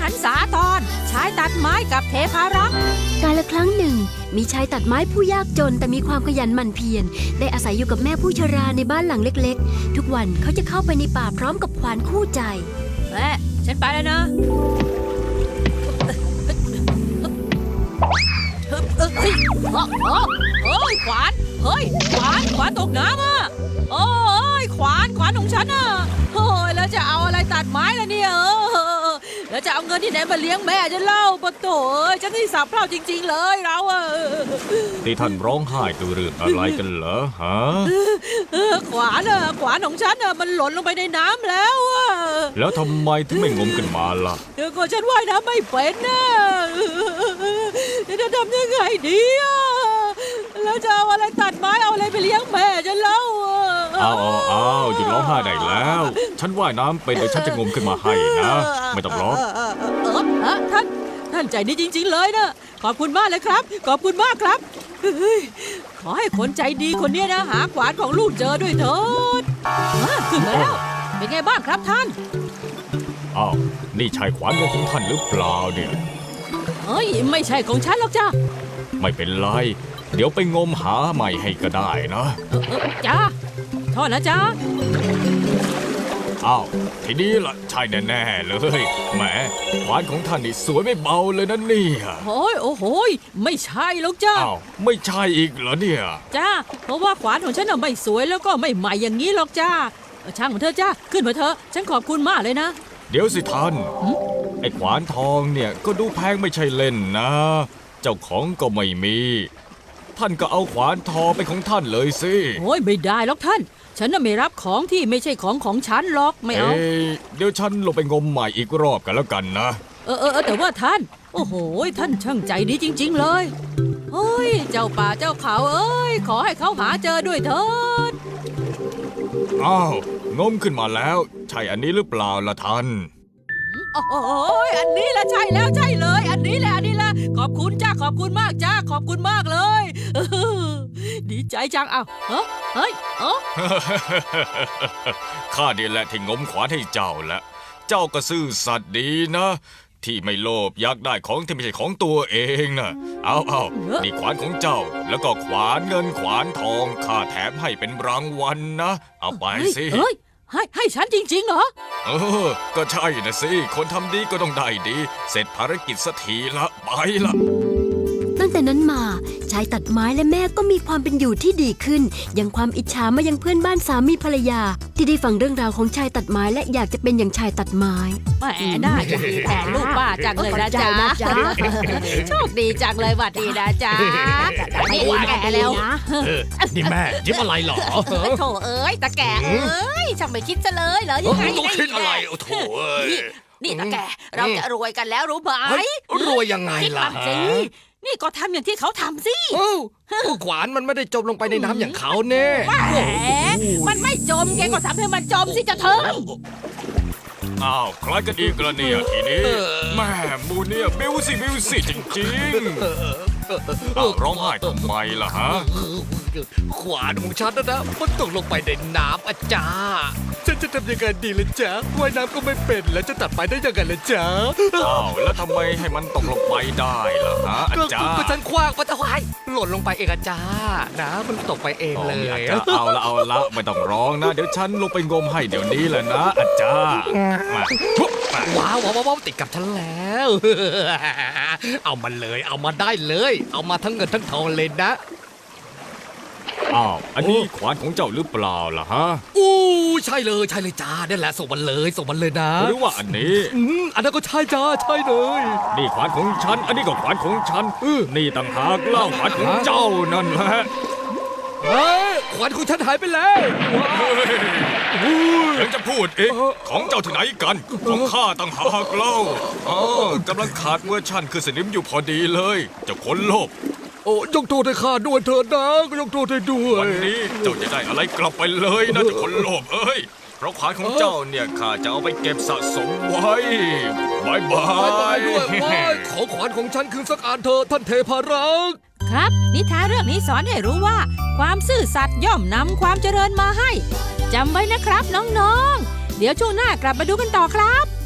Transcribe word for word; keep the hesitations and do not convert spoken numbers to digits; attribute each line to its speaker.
Speaker 1: นสาธรชายตัดไม้กับเทพารักษ์
Speaker 2: กาลครั้งหนึ่งมีชายตัดไม้ผู้ยากจนแต่มีความขยันหมั่นเพียรได้อาศัยอยู่กับแม่ผู้ชราในบ้านหลังเล็กๆทุกวันเขาจะเข้าไปในป่าพร้อมกับขวานคู่ใจ
Speaker 1: แม่ฉันไปแล้วนะเฮ้ยเฮ้ยขวานเฮ้ยขวานขวานตกน้ำอ่ะโอ้ยขวานขวานของฉันอ่ะเฮ้ยแล้วจะเอาอะไรตัดไม้ล่ะเนี่ยเออแล้วจะเอาเงินที่ไหนมาเลี้ยงแม่จะเล่าปะโถ่เอ้ยฉันที่สับเพร่าจริงๆเลยเราอ่ะ
Speaker 3: ที่ท่านร้องไห้ตัวเรื่องอะไรกันเหรอฮะ
Speaker 1: ขวานอ่ะขวานของฉันอ่ะมันหล่นลงไปในน้ำแล้วอ่ะ
Speaker 3: แล้วทำไมถึงไม่งมกันมาล่ะ
Speaker 1: เดี๋ยวก็ฉันว่ายน้ำไม่เป็นนะจะทำยังไงดีอ่ะแล้วจะเอาอะไรตัดไม้เอาอะไรไปเลี้ยงแม่จะเล่า
Speaker 3: เอาเอาเอาหยุดร้องไห้ได้แล้วฉันว่ายน้ำเป็นเดี๋ยวฉันจะงมขึ้นมาให้นะไม่ต้องร้อง
Speaker 1: เออท่านท่านใจดีจริงๆเลยนะขอบคุณมากเลยครับขอบคุณมากครับขอให้คนใจดีคนนี้นะหาขวานของลูกเจอด้วยเถิดขึ้นมาแล้วเป็นไงบ้างครับท่าน
Speaker 3: อ้าวนี่ใช่ขวานของท่านหรือเปล่าเนี่ย
Speaker 1: เฮ้ยไม่ใช่ของฉันหรอกจ้า
Speaker 3: ไม่เป็นไรเดี๋ยวไปงมหาใหม่ให้ก็ได้นะ
Speaker 1: จ้าโทษนะจ้า
Speaker 3: อ้าวทีนี้ล่ะใช่แน่ๆเลยแหมขวานของท่านนี่สวยไม่เบาเลยนะเนี่ย
Speaker 1: โอ้ยโอ้โหไม่ใช่หรอกจ้า
Speaker 3: อ้าวไม่ใช่อีกเหรอเนี่ย
Speaker 1: จ้าเพราะว่าขวานของฉันน่ะไม่สวยแล้วก็ไม่ใหม่อย่างนี้หรอกจ้าช่างของเธอจ้าขึ้นมาเถอะฉันขอบคุณมากเลยนะ
Speaker 3: เดี๋ยวสิท่านไอ้ขวานทองเนี่ยก็ดูแพงไม่ใช่เล่นนะเจ้าของก็ไม่มีท่านก็เอาขวานทองเป็นของท่านเลยสิ
Speaker 1: โอ้ยไม่ได้หรอกท่านฉันน่ะไม่รับของที่ไม่ใช่ของของฉันหรอกไม่เอา
Speaker 3: เดี๋ยวฉันลงไปงมใหม่อีกรอบกันแล้วกันนะ
Speaker 1: เออเออแต่ว่าท่านโอ้โหท่านช่างใจดีจริงๆเลยเฮ้ยเจ้าป่าเจ้าเขาเอ้ยขอให้เขาหาเจอด้วยเถิด
Speaker 3: อ้าวงมขึ้นมาแล้วใช่อันนี้หรือเปล่าล่ะท่าน
Speaker 1: โอ้ยอันนี้แหละใช่แล้วใช่เลยอันนี้แหละอันนี้แหละขอบคุณจ้าขอบคุณมากจ้าขอบคุณมากเลยดีใจจังอ้าวเฮ้ยเฮ้ยเออ
Speaker 3: ข้าดีแหละที่งมขวานให้เจ้าและเจ้าก็ซื่อสัตย์ดีนะที่ไม่โลภอยากได้ของที่ไม่ใช่ของตัวเองนะเอาเอานี่ขวานของเจ้าแล้วก็ขวานเงินขวานทองข้าแถมให้เป็นรางวัลนะเอาไปสิ
Speaker 1: ให้ให้ฉันจริงๆเหรอ
Speaker 3: เออก็ใช่นะสิคนทำดีก็ต้องได้ดีเสร็จภารกิจสักทีละไปละ
Speaker 2: ตั้งแต่นั้นมาชายตัดไม้และแม่ก็มีความเป็นอยู่ที่ดีขึ้นยังความอิจฉามายังเพื่อนบ้านสามีภรรยาที่ได้ฟังเรื่องราวของชายตัดไม้และอยากจะเป็นอย่างชายตัดไม้
Speaker 1: แหมน่าจะดีแทนลูกป้าจังเลยนะจ๊ะโชคดีจังเลยวัดดีนะจ๊ะนี่แก่แล้ว
Speaker 4: นี่แม่ยิ้มอะไรหรอ
Speaker 1: โถเอ้ยตาแก่เอ้ยช่างไม่คิดซะเลยเหรอยังไง
Speaker 4: ต้องคิดอะไรโถเอ้ย
Speaker 1: นี่ตาแก่เราจะรวยกันแล้วรู้ไหม
Speaker 4: รวยยังไงล่ะ
Speaker 1: นี่ก็ทำอย่างที่เขาทำสิ
Speaker 4: ขวานมันไม่ได้จมลงไปในน้ำอย่างเขาเน่
Speaker 1: แหมมันไม่จมแกก็ทำให้มันจมสิจะเถอะ
Speaker 3: อ้าวใครกันอีกละเนี่ยทีนี้แม่มูเนี่ยบิวสิบิวสิจริงๆอ้าวร้องไห้ทำไมล่ะฮะ
Speaker 4: ขวานของฉันนะนะมันตกลงไปในน้ำอาจารย์ฉันจะทำยังไงดีล่ะจ๊ะว่ายน้ำก็ไม่เป็นแล้วจะตัดไปได้ยังไงล่ะจ๊ะ
Speaker 3: อ้าวแล้วทำไมให้มันตกลงไปได้ล่ะฮะอาจารย์
Speaker 4: ก็ฉันคว้างมันจะวายหล่นลงไปเองอาจารย์นะมันตกไปเองเลย
Speaker 3: เอาละเอาละไม่ต้องร้องนะเดี๋ยวฉันลงไปงมให้เดี๋ยวนี้แหละนะอาจารย์
Speaker 4: ว้าวว้าวว้าวติดกับฉันแล้วเอามาเลยเอามาได้เลยเอามาทั้งเงินทั้งทองเลยนะ
Speaker 3: อ้าวอันนี้ขวานของเจ้าหรือเปล่าล่ะฮะ
Speaker 4: อู้ใช่เลยใช่เลยจ้านี่แหละส่งมันเลยส่งมันเลยนะ
Speaker 3: หรือว่าอันนี้
Speaker 4: อืมอันนั้นก็ใช่จ้าใช่เลย
Speaker 3: นี่ขวานของฉันอันนี้ก็ขวานของฉันนี่ต่างหากเล่าขวานของเจ้านั่นแหละ
Speaker 4: เฮ้ยขวานของฉันหายไปแล้ว
Speaker 3: ยังจะพูดเอ๊ะของเจ้าที่ไหนกันของข้าต่างหากเล่าอ๋อกำลังขาดเวอร์ชันคือสนิมอยู่พอดีเลยเจ้าคนโลภ
Speaker 4: โอ้ยกโทษให้ข้าด้วยเถิดนะยกโทษให้ด้วย
Speaker 3: วันนี้เจ้าจะได้อะไรกลับไปเลยนะเจ้าคนโลภเอ้ยเพราะขวานของเจ้าเนี่ยข้าจะเอาไปเก็บสะสมไว้บายบาย
Speaker 4: ด้วยขอขวานของฉันคืนสักอันเถอะท่านเทพารักษ์
Speaker 1: ครับนิทานเรื่องนี้สอนให้รู้ว่าความซื่อสัตย์ย่อมนำความเจริญมาให้จำไว้นะครับน้องๆเดี๋ยวช่วงหน้ากลับมาดูกันต่อครับ